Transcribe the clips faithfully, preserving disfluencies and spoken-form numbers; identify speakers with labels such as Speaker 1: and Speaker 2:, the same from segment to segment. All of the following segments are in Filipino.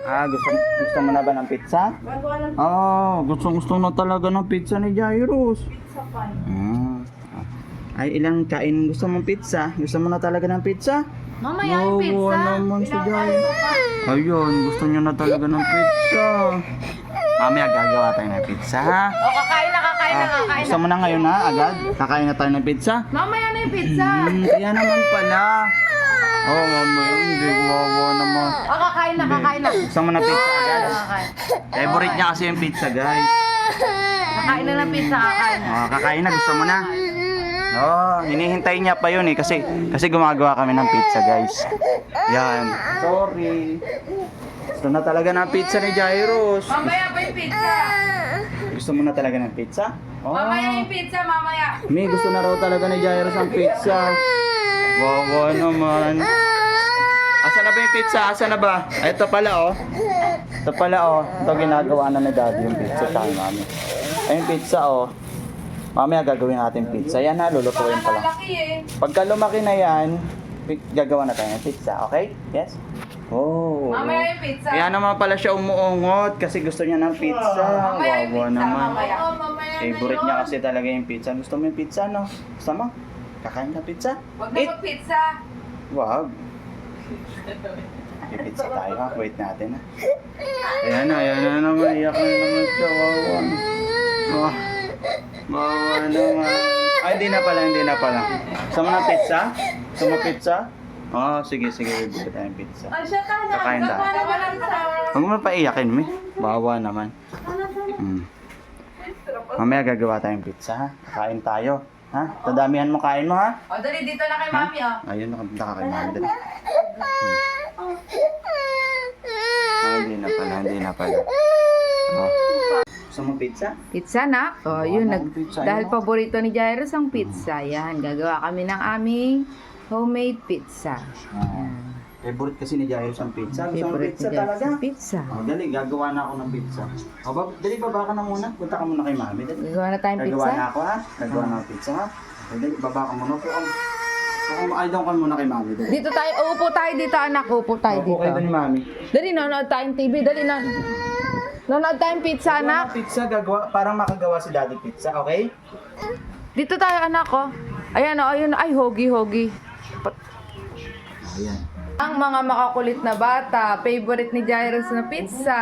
Speaker 1: Ah, gusto, gusto mo na ba ng pizza? Ah, gusto, gusto na talaga ng pizza ni Jairus.
Speaker 2: Pizza pa.
Speaker 1: Ah. Ay, ilang kain gusto mong pizza? Gusto mo na talaga ng pizza?
Speaker 2: Mamaya yung pizza.
Speaker 1: Wow, naman si Jairus. Ayun, gusto niyo na talaga ng pizza. Mamaya gagawa tayo ng pizza, ha?
Speaker 2: O, kakain na, kakain na,
Speaker 1: Ah,
Speaker 2: kakain
Speaker 1: gusto
Speaker 2: na.
Speaker 1: mo na ngayon na agad? Kakain na tayo ng pizza?
Speaker 2: Mamaya na yung pizza.
Speaker 1: Hmm, kaya naman pala. Oh, mamaya, hindi gumawa naman.
Speaker 2: O, kakain na, kakain na.
Speaker 1: Gusto mo na pizza agad?
Speaker 2: Kakain.
Speaker 1: Favorite niya kasi yung pizza, guys.
Speaker 2: Kakain na ng pizza, kakain na.
Speaker 1: Oh, kakain na, gusto mo na? Oh, hinihintay niya pa yun eh kasi kasi gumagawa kami ng pizza, guys. Yan. Sorry. Gusto na talaga ng pizza ni Jairus.
Speaker 2: Mamaya pa yung pizza.
Speaker 1: Gusto mo na talaga ng pizza? Oh.
Speaker 2: Mamaya yung pizza, mamaya.
Speaker 1: Mi, gusto na raw talaga ni Jairus ang pizza. Wawa naman. Asa na ba yung pizza? Asa na ba? Ay, ito pala oh. Ito pala oh. Ito ginagawa na ni Daddy yung pizza sa akin, mami. Ay, yung pizza oh. Mamaya gagawin natin pizza. Yan ha, lulutuin pa lang.
Speaker 2: Malaki eh.
Speaker 1: Pagka lumaki na yan, pi- gagawa na tayo ng pizza, okay? Yes? Oh.
Speaker 2: Mamaya yung pizza.
Speaker 1: Kaya naman pala siya umuungot kasi gusto niya ng pizza.
Speaker 2: Mamaya yung
Speaker 1: Wawa
Speaker 2: pizza,
Speaker 1: naman.
Speaker 2: mamaya. Oo, mamaya na
Speaker 1: Favorite
Speaker 2: yun.
Speaker 1: niya kasi talaga yung pizza. Gusto mo yung pizza, no? Gusto mo? Kakain ka pizza?
Speaker 2: Huwag na
Speaker 1: Eat!
Speaker 2: mag-pizza.
Speaker 1: Wag. May pizza tayo ha. Wait natin ha. Ayan na, ayan na naman. Iyak na naman siya. Wawa. Oh. Wawa naman. Ay, hindi na pala, hindi na pala. Gusto mo ng pizza? Gusto mo pizza? Oh, sige, sige. Bibili tayong pizza.
Speaker 2: Ay, siya tayo.
Speaker 1: Kakain tayo. Huwag mo paiyakin, mi. Bawa naman. Hmm. Mamaya gagawa tayong pizza, ha? Kain tayo. Ha? Tadamihan mo kain mo, ha?
Speaker 2: O, dali, dito na kay
Speaker 1: Ha?
Speaker 2: mami, oh.
Speaker 1: Ayun, nakapunta ka kay mami. Dali. Hmm. Ah, hindi na pala, hindi na pala. Oh. Gusto mo pizza?
Speaker 3: Pizza na. Oh, yun. Nag,
Speaker 1: Pizza,
Speaker 3: dahil
Speaker 1: yun.
Speaker 3: paborito ni Jairus ang pizza. Yan. Gagawa kami ng aming homemade pizza.
Speaker 1: Ah. Favorite kasi ni Jairus ang pizza. Gusto mo
Speaker 3: Favorite
Speaker 1: pizza
Speaker 3: ni Jairus
Speaker 1: talaga?
Speaker 3: ang pizza.
Speaker 1: Oh, dali, gagawa na ako ng pizza. O, bab dali, baba ka na muna. Punta ka muna kay mami. Dali.
Speaker 3: Gagawa na tayong
Speaker 1: Gagawa
Speaker 3: pizza.
Speaker 1: na ako, ha? Gagawa na ako pizza, ha? Dali, baba ka muna. Upo ka. Upo, ay, doon ka muna kay mami. Dali.
Speaker 3: Dito tayo. Upo tayo dito, anak. Upo tayo
Speaker 1: Upo kayo
Speaker 3: dito.
Speaker 1: doon ni mami.
Speaker 3: Dali, nanonood tayong T V. Dali na. Nanonood tayong pizza,
Speaker 1: Gagawa
Speaker 3: anak.
Speaker 1: ng pizza, gagawa, parang makagawa si daddy pizza, okay?
Speaker 3: Dito tayo, anak, oh. Ayan, oh. Ayun. Ay, hogi, hogi. Pat-
Speaker 1: Ayan.
Speaker 3: Ang mga makakulit na bata, favorite ni Jairus na pizza.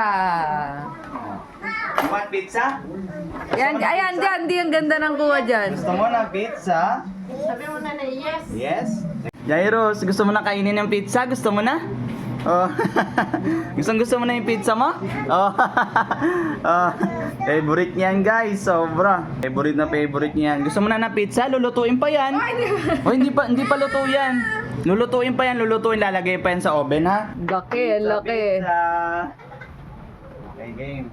Speaker 1: You want pizza?
Speaker 3: Yan, ayan, dyan, di ang ganda ng kuha dyan.
Speaker 1: Gusto mo ng pizza?
Speaker 2: Sabi mo na na yes.
Speaker 1: Yes? Jairus, gusto mo na kainin ng pizza? Gusto mo na? Oh. Gustong gusto mo na yung pizza mo? Oh. Oh. Favorite niyan, guys. Sobra. Favorite na favorite niyan. Gusto mo na ng pizza? Lulutuin pa yan. Oh, hindi pa hindi pa luto yan. Lulutuin pa yan, lulutuin, lalagay pa yan sa oven, ha?
Speaker 3: Laki,
Speaker 1: Sa
Speaker 3: laki.
Speaker 1: pizza. Okay, game.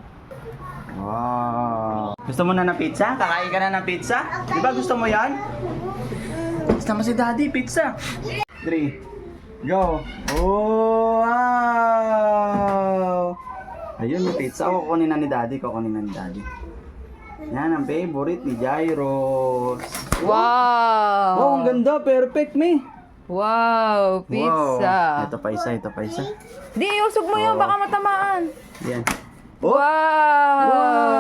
Speaker 1: Wow. Gusto mo na ng pizza? Kakain ka na ng pizza? Di ba gusto mo yan? Gusto mo si Daddy, pizza. Three. Go. Oh, wow. Ayun, may pizza. O, kukunin na ni Daddy. Kukunin na ni Daddy. Yan ang favorite ni Jairus.
Speaker 3: Wow!
Speaker 1: Wow, ang ganda. Perfect, me.
Speaker 3: Wow, pizza.
Speaker 1: Wow. Ito pa isa, ito pa isa.
Speaker 3: Di, usog mo yun,
Speaker 1: Oh.
Speaker 3: baka matamaan.
Speaker 1: Yan.
Speaker 3: Wow!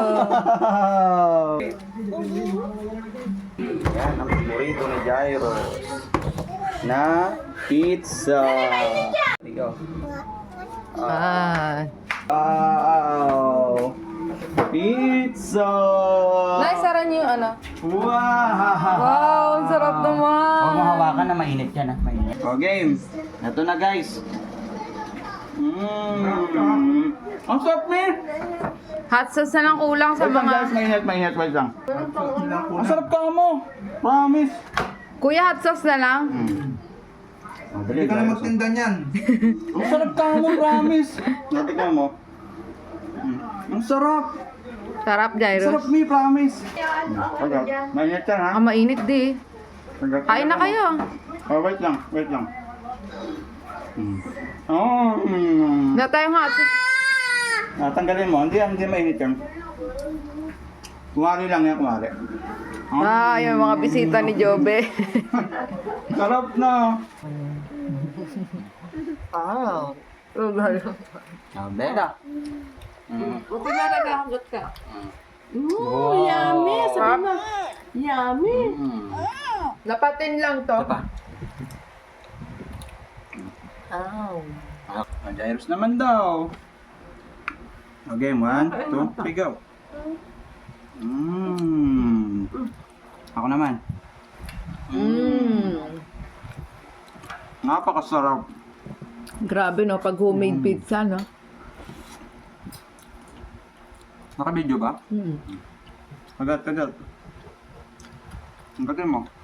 Speaker 1: Wow! Yan ang paborito ni Jairus na pizza. Ikaw.
Speaker 3: Ah.
Speaker 1: Wow! Pizza!
Speaker 3: Naisaran niyo yung ano?
Speaker 1: Wow!
Speaker 3: Wow, ang sarap naman.
Speaker 1: Huwag mo hawakan na mainit yan, ha? Mainit. O, game. Ito na, guys. Mmm. Ang sarap, man.
Speaker 3: Hot sauce na lang kulang sa
Speaker 1: Wait lang, guys.
Speaker 3: mga...
Speaker 1: Mainit, mainit. Wait lang. Ang sarap ka mo. Promise.
Speaker 3: Kuya, hot sauce na lang.
Speaker 1: Mm. Oh, dali,
Speaker 4: Hindi ka na
Speaker 1: guys.
Speaker 4: magtinda niyan.
Speaker 1: Ang sarap ka mo, promise. Natikman mo. Mm. Ang sarap.
Speaker 3: Sarap,
Speaker 1: Ang
Speaker 3: Jairus.
Speaker 1: sarap, me, promise. Okay. Mainit yan, ha?
Speaker 3: Ah, mainit di. Kain na kayo.
Speaker 1: Oh, wait lang. Wait lang. Mm. Oh, mm.
Speaker 3: Wala tayong hot sauce.
Speaker 1: Ah, tanggalin mo. Hindi, hindi mainit yan. Kumari lang yan, kumari.
Speaker 3: Ah, yung mga bisita ni Jobe.
Speaker 1: Sarap na.
Speaker 3: Wow.
Speaker 1: Oh, Bella. Mm.
Speaker 2: Buti na nagkakagot ka.
Speaker 1: Mm.
Speaker 2: Mm,
Speaker 1: Wow.
Speaker 2: yummy. Sabi mo, yummy.
Speaker 1: Mm.
Speaker 3: Lapatin lang to.
Speaker 1: Ito pa.
Speaker 3: Ow.
Speaker 1: Ah, Jairus naman daw. Okay, one, two, three, go. Mmm. Ako naman.
Speaker 3: Mm.
Speaker 1: Napakasarap.
Speaker 3: Grabe no, pag homemade pizza, no?
Speaker 1: Naka-video ba?
Speaker 3: Mm.
Speaker 1: Kagat, kagat. Ang gatin mo.